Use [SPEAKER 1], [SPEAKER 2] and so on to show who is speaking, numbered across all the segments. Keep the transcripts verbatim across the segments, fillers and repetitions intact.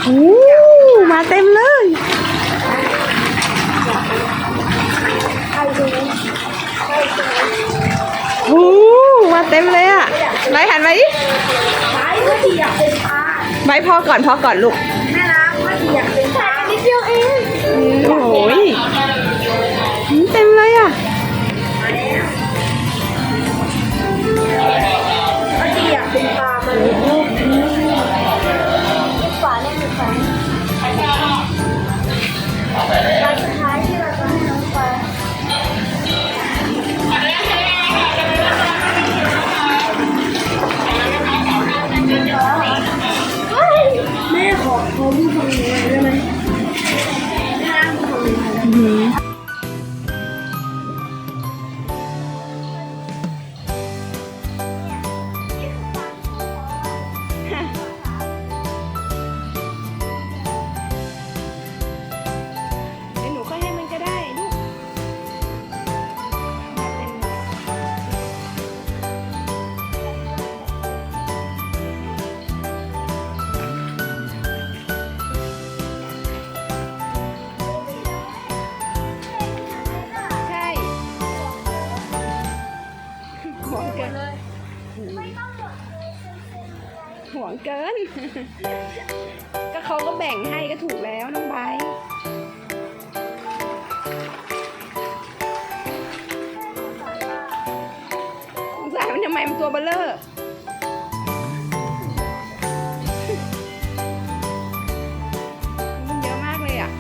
[SPEAKER 1] โอ้มาเต็มเลยโอ้มาเต็มเลยอ่ะไบหันมาดิไบก็ที่อยากเป็นปลาไบพอก่อนพอก่อนลูกแม่น้ำก็ที่อยากเป็นปลานิดเดียวเองโอ้ยเต็มเลยอ่ะก็ที่อยากเป็นปลามันลูกฝาเล่นฝาปลาสุดท้ายที่เราจะให้น้องปลาแม่ขอเขาดูฝั่งนี้ได้ไหมแม่ดูฝั่งนี้ห่วงเกิน ก็เขาก็แบ่งให้ก็ถูกแล้วน้องไบร์ทสงสัยมันทำไมมันตัวเบลเลอร์มันเยอะมากเลยอ่ะ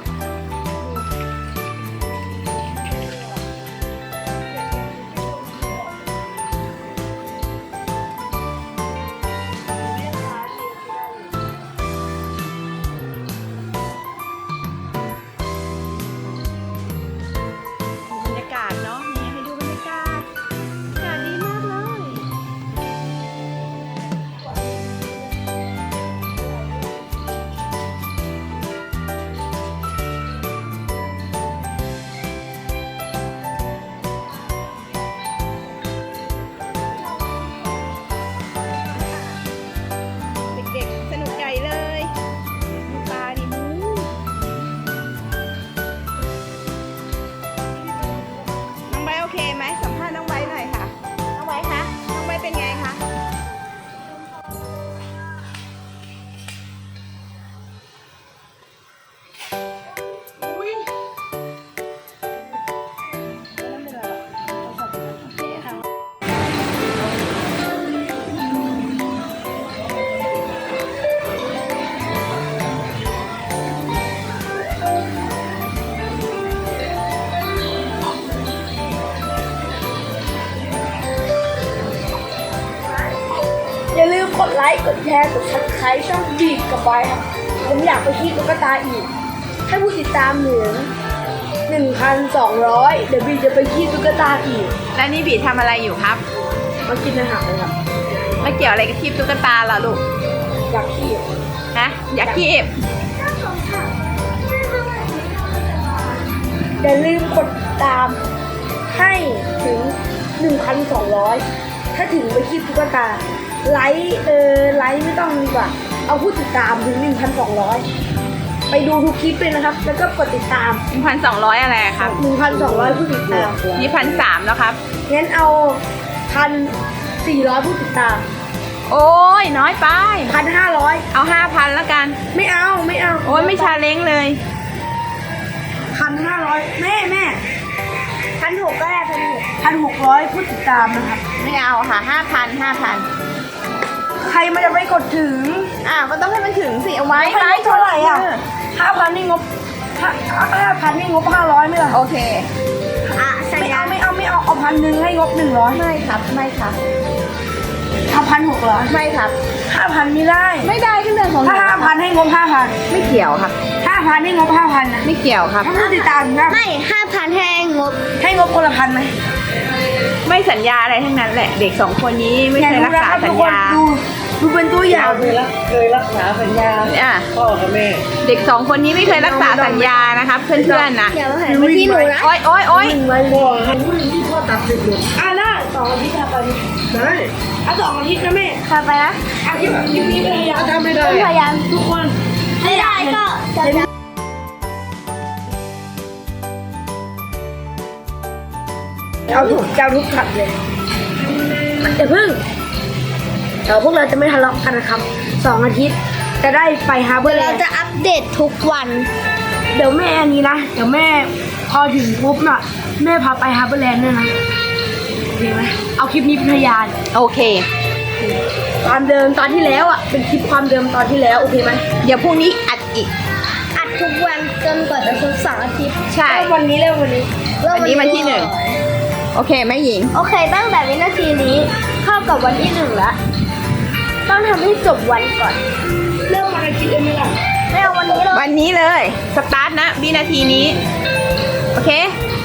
[SPEAKER 1] โอเคไหมสัมภาษณ์น้องไบร์ทหน่อยค่ะน้องไบร์ทคะน้องไบร์ทเป็นไงคะอุ้ยอย่าลืมกดไลค์ กดแชร์ กดซับสไครต์ช่องบีบกับไว้ครับผมอยากไปที่ตุ๊กตาอีกให้ผู้ติดตามเหลือ หนึ่งพันสองร้อย เดี๋ยวบีจะไปที่ตุ๊กตาอีกแล้วนี่บีทำอะไรอยู่ครับมากินอาหารเลยครับไม่เกี่ยวอะไรกับที่ตุ๊กตาเหรอลูกอยากคีบฮะอยากคีบอย่าลืมกดตามให้ถึง หนึ่งพันสองร้อย ถ้าถึงไปคีบตุ๊กตาไลค์เออไลค์ไม่ต้องดีกว่าเอาผู้ติดตามถึง หนึ่งพันสองร้อย ไปดูทุกคลิปเลยนะครับแล้วก็กดติดตาม หนึ่งพันสองร้อย อะไรครับ หนึ่งพันสองร้อย ผู้ติดตามนี่ หนึ่งพันสามร้อย แล้วครับงั้นเอา หนึ่งพันสี่ร้อย ผู้ติดตามโอ้ยน้อยไป หนึ่งพันห้าร้อย เอา ห้าพัน แล้วกันไม่เอาไม่เอาโอ้ยไม่ชาเล้งเลย หนึ่งพันห้าร้อย แม่แม่พันหกก็ได้พันหกพันหกร้อยผู้ติดตามนะครับไม่เอาค่ะห้าพันห้าพันใครมันจะไปกดถึงอ่าก็ต้องให้มันถึงสิเอาไว้ไว้เท่าไหร่อ่ะห้าพันนี่งบห้าห้าพันนี่งบห้าร้อยไม่หรอโอเคอ่ะไม่เอาไม่เอาไม่เอาเอาพันหนึ่งให้งบหนึ่งร้อยไม่ครับไม่ครับเอาพันหกร้อยไม่ครับห้าพันไม่ได้ไม่ได้ก็เรื่องของถ้าห้าพันให้งบห้าพันไม่เกี่ยวครับห้าพันให้งบห้าพันนะไม่เกี่ยวครับผู้ติดตามนะไม่ห้าพันให้งบให้งบคนละพันไหมไม่สัญญาอะไรทั้งนั้นแหละเด็กสองคนนี้ไม่เคยรักษาสัญญาดูเป็นตัวอย่างเคยรักเคยรักษาสัญญาเนี่ยพ่อกับแม่เด็กสองคนนี้ไม่เคยรักษาสัญญานะครับเพื่อนๆนะอย่ามาหันไปที่หนูนะโอ๊ยโอ๊ยโอ๊ยพ่อให้ผู้หญิงที่พ่อตัดสิทธิ์อ่ะได้สองอาทิตย์ทำไปได้อ่ะสองอาทิตย์นะแม่ทำไปนะอาทิตย์นี้พยายามทำไม่ได้พยายามทุกคนจับ
[SPEAKER 2] ใช่
[SPEAKER 1] เลย
[SPEAKER 2] ก็จะ
[SPEAKER 1] เห็นไหมเอาทุกเจ้าทุกขัดเลยเดี๋ยวเพิ่งเดี๋ยวพวกเราจะไม่ทะเลาะกันนะครับสองอาทิตย์จะได้ไปฮาร์เบอ
[SPEAKER 2] เดี๋ยว
[SPEAKER 1] ร์แล
[SPEAKER 2] เรา
[SPEAKER 1] นด์
[SPEAKER 2] จะอัปเดตทุกวัน
[SPEAKER 1] เดี๋ยวแม่อันนี้นะเดี๋ยวแม่พอถึงปุ๊บน่ะแม่พาไปฮาร์เบอร์แลนด์ด้วยนะโอเคไหมเอาคลิปนี้เป็นพยาน
[SPEAKER 3] โอเค
[SPEAKER 1] ความเดิมตอนที่แล้วอ่ะเป็นคลิปความเดิมตอนที่แล้วโอเคไหม
[SPEAKER 3] เดี๋ยวพรุ่งนี้อัดอีก
[SPEAKER 2] อัดทุกวันจนกว่าจะครบสองอาทิตย์
[SPEAKER 3] ใช่
[SPEAKER 1] เริ่มวันนี้เริ่มวันนี้
[SPEAKER 2] เริ่ม
[SPEAKER 3] วันนี้วันที่หนึ่ง โอเคแม่หญิง
[SPEAKER 2] โอเค ตั้งแต่วินาทีนี้เข้ากับวันที่หนึ่งแล้วต้องทำให้จบวันก่อน
[SPEAKER 1] เริ่มวันอาทิตย์เลยไหมล่ะ
[SPEAKER 2] ไม่เอาวันนี้เลย
[SPEAKER 3] วันนี้เลย สตาร์ทนะวินาทีนี้ โอเค
[SPEAKER 2] โ